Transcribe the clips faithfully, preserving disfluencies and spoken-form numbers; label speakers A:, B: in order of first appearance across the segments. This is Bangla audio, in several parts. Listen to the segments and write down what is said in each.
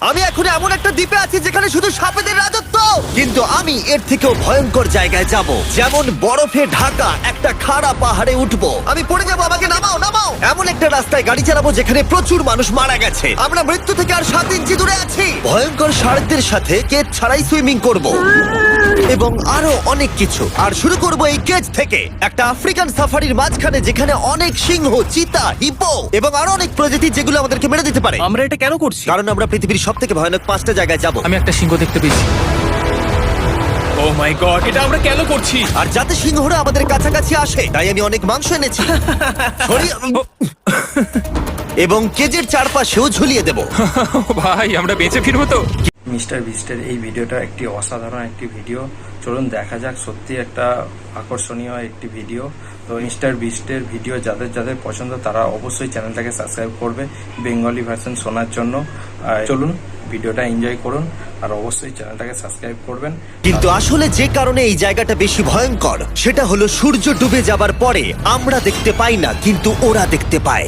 A: আমি এখন এমন একটা দ্বীপে আছি যেখানে শুধু সাপেদের রাজত্ব, কিন্তু আমি এর থেকেও ভয়ঙ্কর জায়গায় যাব, যেমন বরফে ঢাকা একটা খাড়া পাহাড়ে উঠবো। আমি পড়ে যাবো, আমাকে নামাও নামাও। এমন একটা রাস্তায় গাড়ি চালাবো যেখানে প্রচুর মানুষ মারা গেছে। আমরা মৃত্যু থেকে আর সাত ইঞ্চি দূরে আছি। ভয়ঙ্কর শার্কদের সাথে কেজ ছাড়াই সুইমিং করব এবং আরো অনেক কিছু। আর শুরু করব এই কেজ থেকে, একটা আফ্রিকান সাফারির মাঝখানে যেখানে অনেক সিংহ, চিতা, হিপো এবং আরো অনেক প্রজাতি যেগুলো আমাদেরকে মেরে দিতে পারে।
B: আমরা এটা কেন করছি?
A: কারণ আমরা পৃথিবীর সব থেকে ভয়ানক পাঁচটা জায়গায় যাব।
C: আমি একটা সিংহ দেখতে পেয়েছি।
B: ও মাই গড, এটা আমরা কেন করছি?
A: আর যাতে সিংহরা আমাদের কাছাকাছি আসে তাই আমি অনেক মাংস এনেছি। সরি- এবং কেজের চারপাশেও ঝুলিয়ে দেব।
C: ভাই আমরা বেঁচে ফিরবো তো?
D: মিস্টার বিস্টের এই ভিডিওটা একটি অসাধারণ একটি ভিডিও। চলুন দেখা যাক, সত্যি একটা আকর্ষণীয় একটি ভিডিও। তো মিস্টার বিস্টের ভিডিও যাদের যাদের পছন্দ তারা অবশ্যই চ্যানেলটাকে সাবস্ক্রাইব করবে বেঙ্গলি ভার্সন শোনার জন্য। আর চলুন ভিডিওটা এনজয় করুন আর অবশ্যই চ্যানেলটাকে সাবস্ক্রাইব করবেন।
A: কিন্তু আসলে যে কারণে এই জায়গাটা বেশি ভয়ঙ্কর সেটা হলো সূর্য ডুবে যাবার পরে আমরা দেখতে পাই না, কিন্তু ওরা দেখতে পায়।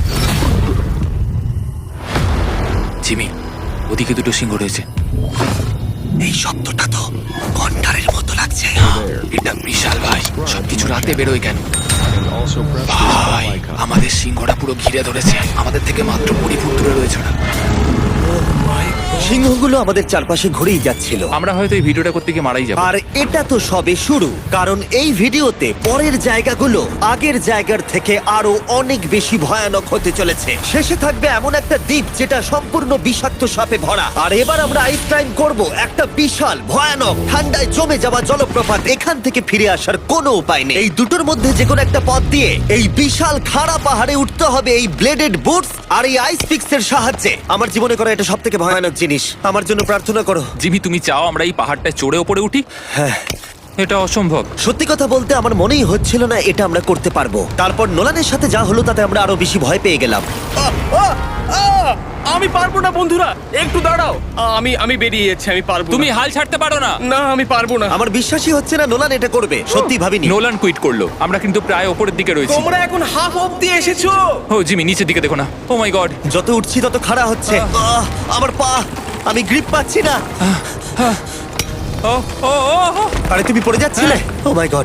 C: জিমি, ওদিকে দুটো সিংহ রয়েছে।
A: এই শব্দটা তো কন্ডারের মতো লাগছে।
C: এটা বিশাল ভাই, সবকিছু রাতে বেরোয় কেন? ভাই আমাদের সিংহটা পুরো ঘিরে ধরেছে, আমাদের থেকে মাত্র কুড়ি ফুট দূরে রয়েছে ওরা।
A: সিংহগুলো আমাদের চারপাশে ঘুরেই যাচ্ছিল।
C: আমরা হয়তো এই ভিডিওটা করতে গিয়ে মারাই যাবো।
A: আর এটা তো সবে শুরু, কারণ এই ভিডিওতে পরের জায়গাগুলো আগের জায়গার থেকে আরো অনেক বেশি ভয়ানক হতে চলেছে। শেষে থাকবে এমন একটা দ্বীপ যেটা সম্পূর্ণ বিষাক্ত সাপে ভরা। আর এবার আমরা আইস ক্লাইম করব একটা বিশাল ভয়ানক ঠান্ডায় জমে যাওয়া জলপ্রপাত। এখান থেকে ফিরে আসার কোনো উপায় নেই। এই দুটোর মধ্যে যে কোনো একটা পথ দিয়ে এই বিশাল খাড়া পাহাড়ে উঠতে হবে এই ব্লেডেড বুটস আর এই আইস পিক্সের সাহায্যে। আমার জীবনে করা এটা সব থেকে ভয়ানক জিনিস। আমার জন্য প্রার্থনা করো।
C: জিমি, তুমি চাও আমরা এই পাহাড়টায় চড়ে ওপরে উঠি?
A: হ্যাঁ,
C: এটা অসম্ভব।
A: সত্যি কথা বলতে আমার মনেই হচ্ছিল না এটা আমরা করতে পারবো। তারপর নোলানের সাথে যা হলো তাতে আমরা আরো বেশি ভয় পেয়ে গেলাম।
B: আহ, আহ, আহ! আমি পারবো না বন্ধুরা, একটু দাঁড়াও। আহ, আমি আমি বেরিয়ে যাচ্ছি, আমি পারবো না।
C: তুমি হাল ছাড়তে পারো না।
B: না, আমি পারবো না।
A: আমার বিশ্বাসই হচ্ছে না নোলান এটা করবে। সত্যি ভাবিনি।
C: নোলান কুইট করলো। আমরা কিন্তু প্রায় ওপরের দিকে রয়েছি।
B: তোমরা এখন হাফ অব্দি এসেছো।
C: ও জিমি, নিচের দিকে দেখো না। Oh my God.
A: যত উঠছি তত খাড়া হচ্ছে। আহ, আমার পা, আমি গ্রিপ পাচ্ছি না।
C: ও ও ও ও।
A: আরে তুমি পড়ে যাচ্ছিলে? ও মাই গড,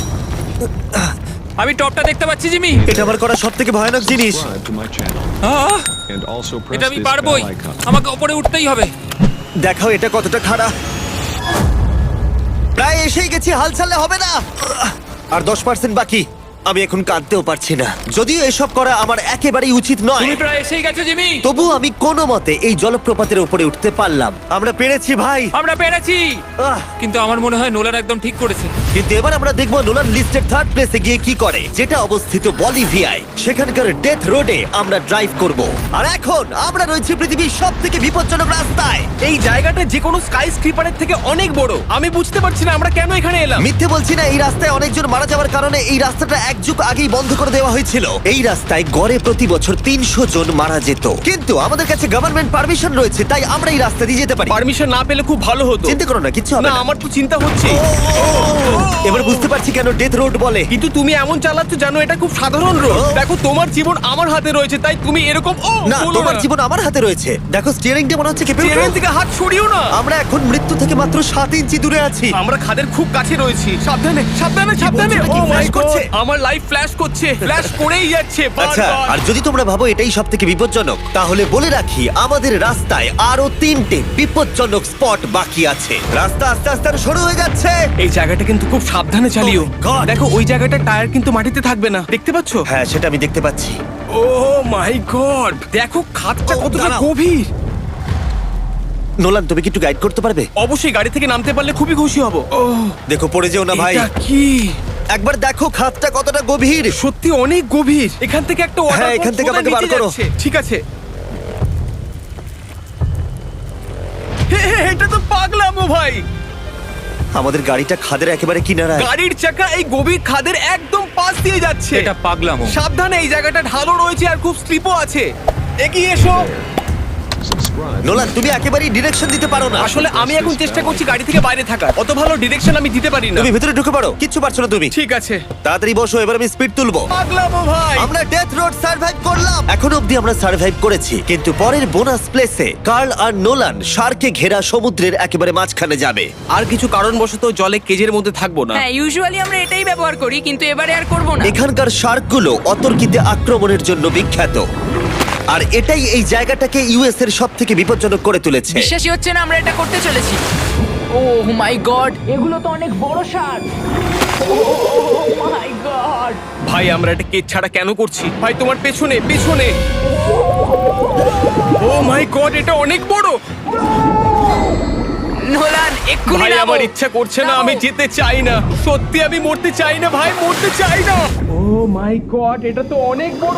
C: আমি টপটা দেখতে পাচ্ছি জিমি।
A: এটা আমার করা সব থেকে ভয়ানক জিনিস।
E: Subscribe to my channel
C: ah,
E: and also press
C: এটা আমি
E: this
C: পারবোই।
E: bell icon.
C: আমাকে ওপরে উঠতেই হবে।
A: দেখাও এটা কতটা খাড়া। প্রায় এসেই গেছি, হাল ছাড়লে হবে না। আর দশ পার্সেন্ট বাকি। আমি এখন কাঁদতেও পারছি না, যদিও এসব করা আমার একেবারেই উচিত নয়।
C: তুমি প্রায় এসেই গেছো জিমি।
A: তবু আমি কোনো মতে এই জলপ্রপাতের উপরে উঠতে পারলাম। আমরা পেরেছি ভাই।
C: আমরা পেরেছি।
A: আহ,
C: কিন্তু আমার মনে হয় নোলান একদম ঠিক করেছে।
A: কিন্তু এবার আমরা দেখবো নোলান লিস্টের থার্ড প্লেসে গিয়ে কি করে, যেটা অবস্থিত বলিভিয়ায়। সেখানকার ডেথ রোডে আমরা ড্রাইভ করব। আর এখন আমরা রয়েছি পৃথিবীর সব থেকে বিপজ্জনক রাস্তায়।
B: এই জায়গাটা যে কোনো স্কাই স্ক্রিপারের থেকে অনেক বড়। আমি বুঝতে পারছি না আমরা কেন এখানে এলাম।
A: মিথ্যে বলছি না, এই রাস্তায় অনেকজন মারা যাওয়ার কারণে এই রাস্তাটা এক যুগ আগেই বন্ধ করে দেওয়া হয়েছিল। এই রাস্তায় গড়ে প্রতি বছর তিনশো জন মারা যেত, কিন্তু আমাদের কাছে গভর্নমেন্ট পারমিশন রয়েছে, তাই আমরা এই রাস্তা দিয়ে যেতে পারি।
B: পারমিশন না পেলে খুব ভালো হতো।
A: চিন্তা করো না, কিচ্ছু হবে
B: না,
A: না।
B: আমার তো চিন্তা হচ্ছে।
A: এবার বুঝতে পারছি কেন ডেথ রোড বলে।
B: কিন্তু তুমি এমন চালাচ্ছ জানো এটা খুব সাধারণ রোড।
A: ও।
B: দেখো তোমার জীবন আমার হাতে রয়েছে, তাই তুমি এরকম ও
A: না,
B: বলো
A: তোমার
B: না।
A: জীবন আমার হাতে রয়েছে। দেখো স্টিয়ারিংটা মনে হচ্ছে কেঁপে
B: চেয়ারের
A: উঠলো।
B: দিকে হাত সরিও না।
A: আমরা এখন মৃত্যু থেকে মাত্র সাত ইঞ্চি দূরে আছি।
B: আমরা খাদের খুব কাছে রয়েছি। সাবধানে সাবধানে সাবধানে।
A: বলছো,
B: ও
A: এটা কি
B: মাই
A: flash
B: গড,
A: করছে?
B: আমার লাইফ ফ্ল্যাশ করছে, ফ্ল্যাশ করেই যাচ্ছে
A: আচ্ছা,
B: বারবার।
A: আর যদি তোমরা ভাবো এটাই সব থেকে বিপজ্জনক, তাহলে বলে রাখি আমাদের রাস্তায় আরো তিনটে বিপজ্জনক স্পট বাকি আছে। রাস্তা আস্তে আস্তে আরো সরু হয়ে যাচ্ছে।
B: এই জায়গাটা কিন্তু খুব সাবধানে চালিও।
A: Oh my God!
B: দেখো ওই জায়গাটা টায়ার কিন্তু মাটিতে থাকবে না, দেখতে পাচ্ছো?
A: হ্যাঁ, সেটা আমি দেখতে পাচ্ছি।
B: ও মাই গড, দেখো খাদটা
A: Oh,
B: কতটা
A: দাঁড়াও।
B: গভীর।
A: নোলান, তুমি কি একটু গাইড করতে পারবে?
B: অবশ্যই গাড়ি থেকে নামতে পারলে খুবই খুশি হব। ও
A: দেখো পড়ে যেও না ভাই।
B: এটা কি?
A: একবার দেখো খাতটা কতটা গভীর।
B: সত্যি অনেক গভীর। এখান থেকে একটা ওয়াটার
A: হ্যাঁ, এখান থেকে আমাকে বার করো।
B: ঠিক আছে। হে, হে, এটা তো পাগলামো ভাই।
A: আমাদের গাড়িটা খাদের একেবারে কিনারায়।
B: গাড়ির চাকা এই গভীর খাদের একদম পাশ দিয়ে যাচ্ছে।
C: এটা পাগলামো।
B: সাবধানে, এই জায়গাটা ঢালু রয়েছে আর খুব স্লিপও আছে। এগিয়ে এসো।
A: নোলান, তুমি একেবারেই ডিরেকশন দিতে পারো না।
B: আসলে আমি এখন চেষ্টা করছি গাড়ি থেকে বাইরে থাকার, অত ভালো ডিরেকশন আমি দিতে পারি না।
A: তুমি ভিতরে ঢুকে পড়ো, কিচ্ছু পারছো না তুমি।
B: ঠিক আছে,
A: তাড়াতাড়ি বসো, এবার আমি স্পিড তুলবো।
B: পাগলামো ভাই।
A: আমরা ডেথ রোড সার্ভাইভ করলাম। এখন অবধি আমরা সার্ভাইভ করেছি, কিন্তু পরের বোনাস প্লেসে কার্ল আর নোলান শার্কে ঘেরা সমুদ্রের একেবারে মাঝখানে যাবে।
B: আর কিছু কারণবশত জলে কেজের মধ্যে থাকবো না।
E: হ্যাঁ, ইউজুয়ালি আমরা এটাই ব্যবহার করি, কিন্তু এবারে আর করব না।
A: এখানকার শার্কগুলো অতর্কিতে আক্রমণের জন্য বিখ্যাত, আর এটাই এই জায়গাটাকে ইউএস এর সব থেকে বিপজ্জনক করে তুলেছে।
E: বিশ্বাসই হচ্ছে না আমরা এটা করতে চলেছি। ও মাই গড, এগুলো তো অনেক বড় শার্ক। O my god.
B: ভাই আমরা এটা কেজ ছাড়া কেন করছি? ভাই তোমার পেছনে পেছনে। ও মাই গড, এটা অনেক বড়।
E: নোলান, এক্ষুনি
B: ভাই
E: নামো।
B: আমার ইচ্ছা করছে না,
E: নামো।
B: আমি যেতে চাই না। সত্যি আমি মরতে চাই না ভাই, মরতে চাই না। ও মাই গড, এটা তো অনেক বড়।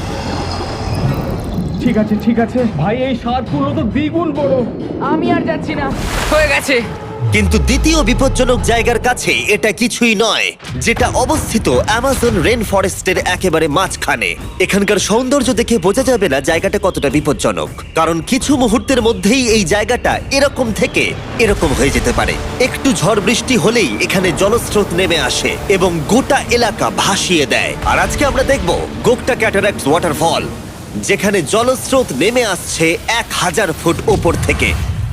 B: ঠিক আছে ঠিক আছে ভাই, এই শার্কগুলো তো দ্বিগুণ বড়।
E: আমি আর যাচ্ছি না, হয়ে গেছে।
A: কিন্তু দ্বিতীয় বিপজ্জনক জায়গার কাছে এটা কিছুই নয়, যেটা অবস্থিত অ্যামাজন রেন ফরেস্টের একেবারে মাঝখানে। এখানকার সৌন্দর্য দেখে বোঝা যাবে না জায়গাটা কতটা বিপজ্জনক, কারণ কিছু মুহূর্তের মধ্যেই এই জায়গাটা এরকম থেকে এরকম হয়ে যেতে পারে। একটু ঝড় বৃষ্টি হলেই এখানে জলস্রোত নেমে আসে এবং গোটা এলাকা ভাসিয়ে দেয়। আর আজকে আমরা দেখব গোকটা ক্যাটারাক্ট ওয়াটারফল, যেখানে জলস্রোত নেমে আসছে এক হাজার ফুট ওপর থেকে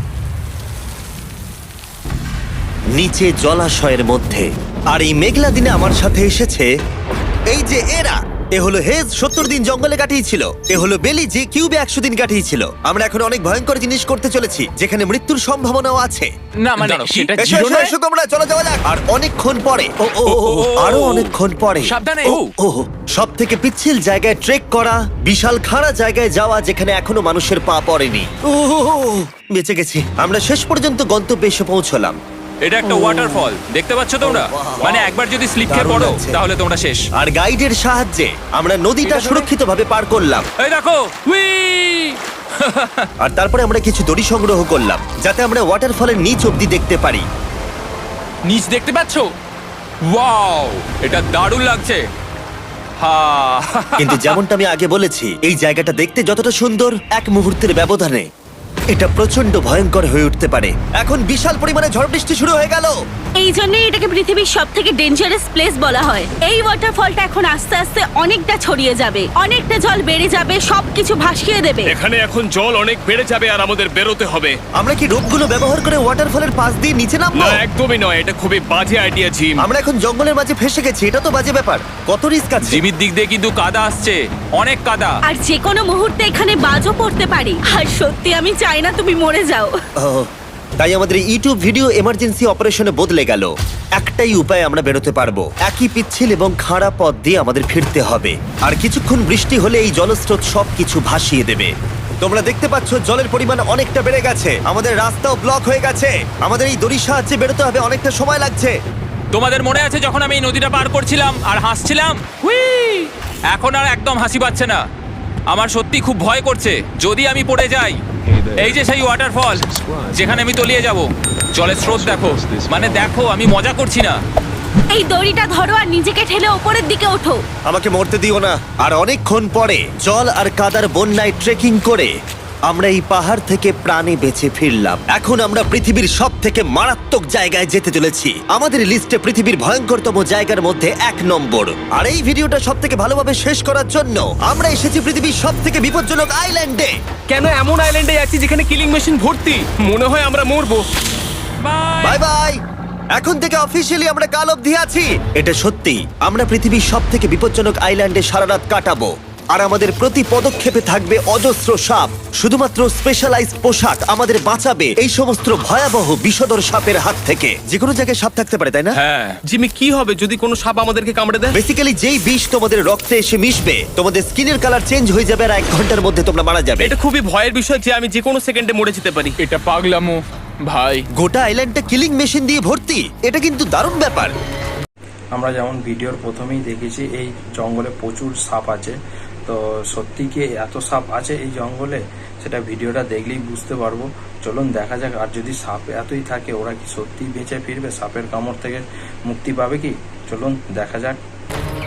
A: নিচে জলাশয়ের মধ্যে। আর এই মেঘলা দিনে আমার সাথে এসেছে এই যে এরা। এ হলো হেজ, সত্তর দিন জঙ্গলে কাটিয়েছিল। এ হলো বেলি, যে কিউবে একশো দিন কাটিয়েছিল। আমরা এখন অনেক ভয়ঙ্কর জিনিস করতে চলেছি, যেখানে মৃত্যুর সম্ভাবনাও আছে।
C: না মানে সেটা
A: এসো, এসো, এসো তোমরা, চলো যাওয়া যাক। আর অনেকক্ষণ পরে ও ও ও, ও, আরো অনেকক্ষণ পরে
C: সাবধানে।
A: ও ও সব থেকে পিচ্ছিল জায়গায় ট্রেক করা, বিশাল খাড়া জায়গায় যাওয়া যেখানে এখনো মানুষের পা পড়েনি। ও ও, ও, ও, বেঁচে গেছি। আমরা শেষ পর্যন্ত গন্তব্যে এসে পৌঁছলাম।
F: এটা একটা ওয়াটারফল, দেখতে পাচ্ছ তোমরা? মানে একবার যদি স্লিপ খেয়ে
A: দারুণ
F: পড়ো
A: লাগছে।
F: তাহলে তোমরা শেষ।
A: আর গাইডের সাহায্যে আমরা নদীটা সুরক্ষিতভাবে পার করলাম।
F: এই দেখো, উই!
A: আর তারপরে আমরা কিছু দড়ি সংগ্রহ করলাম, যাতে আমরা ওয়াটারফলের নিচ অব্দি দেখতে পারি।
F: নিচ দেখতে পাচ্ছ? ওয়াও, এটা দারুণ লাগছে। হা!
A: কিন্তু যেমনটা আমি আগে বলেছি, এই জায়গাটা দেখতে যতটা সুন্দর, এক মুহূর্তের ব্যবধানে এটা প্রচন্ড ভয়ঙ্কর হয়ে উঠতে পারে। এখন বিশাল পরিমাণে ঝড় বৃষ্টি শুরু হয়ে গেল।
G: এই জন্যই এটাকে পৃথিবীর সব থেকে ডেঞ্জারাস প্লেস বলা হয়। এই ওয়াটারফলটা এখন আস্তে আস্তে অনেকটা ছড়িয়ে যাবে, অনেকটা জল বেড়ে যাবে, সবকিছু ভাসিয়ে দেবে।
B: এখানে এখন জল অনেক বেড়ে যাবে আর আমাদের বেরোতে হবে।
A: আমরা কি রোপগুলো ব্যবহার করে ওয়াটারফলের পাশ দিয়ে নিচে নামবো?
B: না একদমই নয়, এটা খুবই বাজে আইডিয়া জিম।
A: আমরা এখন জঙ্গলের মাঝে ফেসে গেছি, এটা তো বাজে ব্যাপার। কত রিস্ক আছে।
F: জিমির দিক দিয়ে কিন্তু কাদা আসছে, অনেক কাদা।
G: আর যে কোনো মুহূর্তে এখানে বাজও পড়তে পারি। আর সত্যি আমি চাই না তুমি মরে যাও।
A: ও, তাই আমাদের ইউটিউব ভিডিও এমার্জেন্সি অপারেশনে বদলে গেল। একটাই উপায় আমরা বেরোতে পারবো, একই পিচ্ছিল এবং খাড়া পথ দিয়ে আমাদের ফিরতে হবে। আর কিছুক্ষণ বৃষ্টি হলে এই জলস্রোত সবকিছু ভাসিয়ে দেবে। তোমরা দেখতে পাচ্ছ জলের পরিমাণ অনেকটা বেড়ে গেছে, আমাদের রাস্তাও ব্লক হয়ে গেছে। আমাদের এই দড়ির সাহায্যে বেরোতে হবে, অনেকটা সময় লাগছে।
F: তোমাদের মনে আছে যখন আমি এই নদীটা পার করছিলাম আর হাসছিলাম? হুই! এখন আর একদম হাসি পাচ্ছে না। আমার সত্যি খুব ভয় করছে, যদি আমি পড়ে যাই। এই যে সেই ওয়াটারফল, যেখানে আমি তলিয়ে যাব। জলের স্রোত দেখো, মানে দেখো, আমি মজা করছি না।
G: এই দড়িটা ধরো আর নিজেকে ঠেলে ওপরের দিকে ওঠো।
A: আমাকে মরতে দিও না। আর অনেকক্ষণ পরে জল আর কাদার বন্যায় ট্রেকিং করে আমরা এই পাহাড় থেকে প্রাণে বেঁচে ফিরলাম। এখন আমরা পৃথিবীর সব থেকে মারাত্মক জায়গায় যেতে চলেছি। আমাদের লিস্টে পৃথিবীর ভয়ঙ্করতম জায়গার মধ্যে এক নম্বর। আর এই ভিডিওটা সব থেকে ভালোভাবে শেষ করার জন্য আমরা এসেছি পৃথিবীর সব থেকে বিপজ্জনক আইল্যান্ডে।
B: কেন এমন আইল্যান্ডে যাচ্ছি যেখানে কিলিং মেশিন ভর্তি? মনে হয় আমরা মরবো।
A: Bye bye. এখন থেকে অফিসিয়ালি আমরা কাল অবধি আছি। এটা সত্যি, আমরা পৃথিবীর সব থেকে বিপজ্জনক আইল্যান্ডে সারা রাত কাটাবো। আর আমাদের প্রতি পদক্ষেপে থাকবে অজস্র সাপ। শুধুমাত্র স্পেশালাইজড পোশাক আমাদের বাঁচাবে এই সমস্ত ভয়াবহ বিষধর সাপের হাত থেকে। যে কোনো জায়গায় সাপ থাকতে পারে, তাই না?
F: হ্যাঁ,
B: জিমি কি হবে যদি কোনো সাপ আমাদেরকে কামড়ে দেয়?
A: বেসিক্যালি যেই বিষ তোমাদের রক্তে এসে মিশবে, তোমাদের স্কিনের কালার চেঞ্জ হয়ে যাবে আর এক ঘন্টার মধ্যে তোমরা মারা যাবে।
B: এটা খুবই ভয়ের বিষয় যে আমি যে কোনো সেকেন্ডে মরে যেতে পারি।
F: এটা পাগলামো ভাই।
A: গোটা আইল্যান্ডটা কিলিং মেশিন দিয়ে ভর্তি, এটা কিন্তু দারুণ ব্যাপার।
D: আমরা যেমন ভিডিওর প্রথমেই দেখেছি এই জঙ্গলে প্রচুর সাপ আছে। তো সত্যি কি এত সাপ আছে এই জঙ্গলে, সেটা ভিডিওটা দেখলেই বুঝতে পারবো। চলুন দেখা যাক। আর যদি সাপ এতই থাকে, ওরা কি সত্যিই বেঁচে ফিরবে? সাপের কামড় থেকে মুক্তি পাবে কি? চলুন দেখা যাক।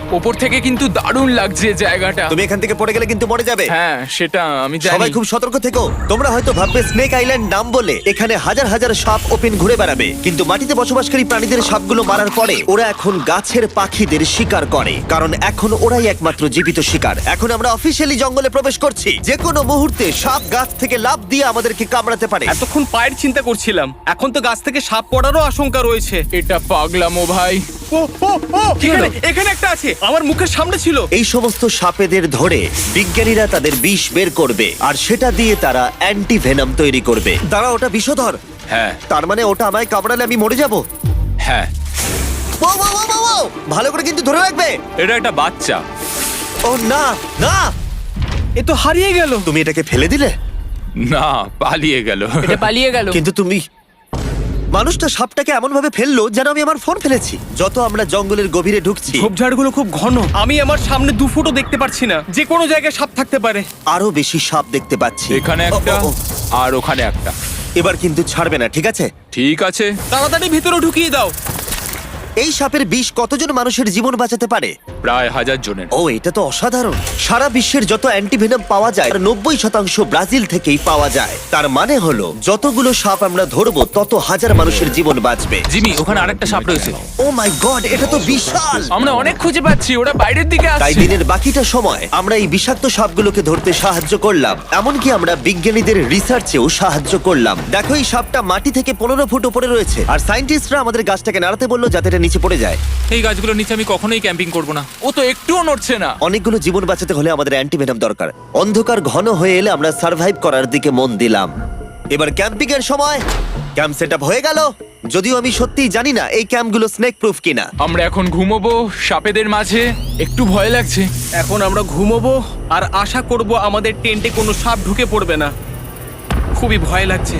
B: ওপর থেকে কিন্তু দারুণ লাগছে জায়গাটা।
A: তুমি এখান থেকে পড়ে গেলে কিন্তু মরে যাবে।
B: হ্যাঁ সেটা আমি জানি।
A: সবাই খুব সতর্ক থেকো। তোমরা হয়তো ভাববে স্নেক আইল্যান্ড নাম বলে এখানে হাজার হাজার সাপ ওপেন ঘুরে বেড়াবে, কিন্তু মাটিতে বসবাসকারী প্রাণীদের সাপগুলো মারার পরে ওরা এখন গাছের পাখিদের শিকার করে, কারণ এখন ওরাই একমাত্র জীবিত শিকার। এখন আমরা অফিসিয়ালি জঙ্গলে প্রবেশ করছি। যে কোনো মুহূর্তে সাপ গাছ থেকে লাফ দিয়ে আমাদেরকে কামড়াতে পারে।
H: এতক্ষণ পায়ের চিন্তা করছিলাম, এখন তো গাছ থেকে সাপ পড়ারও আশঙ্কা রয়েছে।
B: এটা পাগলামো ভাই।
H: ও ও ও এখানে এখানে একটা আছে, আমার মুখের সামনে ছিল।
A: এই সমস্ত সাপেদের ধরে বিজ্ঞানীরা তাদের বিষ বের করবে, আর সেটা দিয়ে তারা অ্যান্টি ভেনাম তৈরি করবে। দাঁড়া, ওটা বিষধর।
F: হ্যাঁ
A: তার মানে ওটা আমায় কামড়ালে আমি মরে যাব?
F: হ্যাঁ
A: ও, ও, ও, ও, ও! ভালো করে কিন্তু ধরে রাখবে।
F: এটা একটা বাচ্চা।
A: ও না না,
H: এ তো হারিয়ে গেল।
A: তুমি এটাকে ফেলে দিলে?
F: না, পালিয়ে গেল।
E: এটা পালিয়ে গেল।
A: কিন্তু তুমি, মানুষটা সাপটাকে এমন ভাবে ফেললো যেন আমি আমার ফোন ফেলেছি। যত আমরা জঙ্গলের গভীরে ঢুকছি
H: ঝোপঝাড়গুলো খুব ঘন, আমি আমার সামনে দু ফুটও দেখতে পাচ্ছি না। যে কোনো জায়গায় সাপ থাকতে পারে।
A: আরো বেশি সাপ দেখতে পাচ্ছি।
F: এখানে
A: ও,
F: একটা
A: ও, ও।
F: আর ওখানে একটা।
A: এবার কিন্তু ছাড়বে না, ঠিক আছে?
F: ঠিক আছে।
H: তাড়াতাড়ি ভিতরে ঢুকিয়ে দাও।
A: এই সাপের বিষ কতজন মানুষের জীবন বাঁচাতে পারে?
F: প্রায় হাজার জনের।
A: ও, এটা তো অসাধারণ। সারা বিশ্বের যত অ্যান্টিভেনম পাওয়া যায় তার নব্বই শতাংশ ব্রাজিল থেকেই পাওয়া যায়। তার মানে হলো যতগুলো সাপ আমরা ধরবো তত হাজার মানুষের জীবন বাঁচবে।
F: জিমি, ওখানে আরেকটা সাপ রয়েছে।
A: ও মাই গড, এটা তো বিশাল।
B: আমরা অনেক খুঁজে পাচ্ছি, ওরা বাইরের দিকে
A: তাই
B: আসছে।
A: দিনের বাকিটা সময় আমরা এই বিষাক্ত সাপগুলোকে ধরতে সাহায্য করলাম। এমনকি আমরা বিজ্ঞানীদের রিসার্চেও সাহায্য করলাম। দেখো, এই সাপটা মাটি থেকে পনেরো ফুট উপরে রয়েছে, আর সায়েন্টিস্টরা আমাদের গাছটাকে নাড়াতে বললো যাতে এটা নিচে পড়ে যায়।
F: এই গাছগুলোর নিচে আমি কখনোই ক্যাম্পিং করব না।
B: ও তো একটুও নড়ছে না।
A: অনেকগুলো জীবন বাঁচাতে হলে আমাদের অ্যান্টিভেনম দরকার। অন্ধকার ঘন হয়ে এলে আমরা সার্ভাইভ করার দিকে মন দিলাম। এবার ক্যাম্পিং এর সময়। ক্যাম্প সেটআপ হয়ে গেল, যদিও আমি সত্যিই জানি না এই ক্যাম্পগুলো স্নেক প্রুফ কিনা।
B: আমরা এখন ঘুমোবো সাপেদের মাঝে, একটু ভয় লাগছে।
H: এখন আমরা ঘুমোবো আর আশা করব আমাদের টেন্টে কোনো সাপ ঢুকে পড়বে না। খুবই ভয় লাগছে।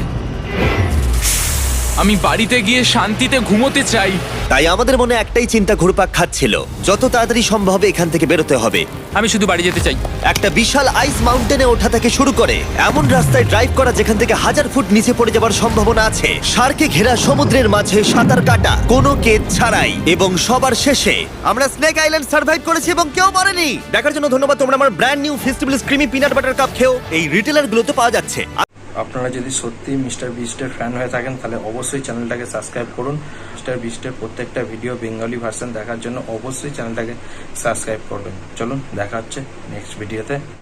B: আমি বাড়িতে গিয়ে শান্তিতে ঘুমোতে চাই।
A: তাই আমাদের মনে একটাই চিন্তা ঘুরপাক খাচ্ছিল, যত তাড়াতাড়ি সম্ভব এখান থেকে বেরোতে হবে।
F: আমি শুধু বাড়ি যেতে চাই।
A: একটা বিশাল আইস মাউন্টেনে ওঠা থেকে শুরু করে এমন রাস্তায় ড্রাইভ করা যেখান থেকে হাজার ফুট নিচে পড়ে যাবার সম্ভাবনা আছে, শার্কে ঘেরা সমুদ্রের মাঝে সাঁতার কাটা কোনো কেদ ছাড়াই, এবং সবার শেষে আমরা স্নেক আইল্যান্ড সার্ভাইভ করেছি এবং কেউ মরেনি। দেখার জন্য ধন্যবাদ। তোমরা আমার brand new festival creamy peanut butter cup খেও। এই রিটেলার গুলোতে পাওয়া যাচ্ছে।
D: আপনারা যদি সত্যি মিস্টার বিস্টের ফ্যান হয়ে থাকেন তাহলে অবশ্যই চ্যানেলটাকে সাবস্ক্রাইব করুন। মিস্টার বিস্টের প্রত্যেকটা ভিডিও বেঙ্গলি ভার্সন দেখার জন্য অবশ্যই চ্যানেলটাকে সাবস্ক্রাইব করবেন। চলুন, দেখা হচ্ছে নেক্সট ভিডিওতে।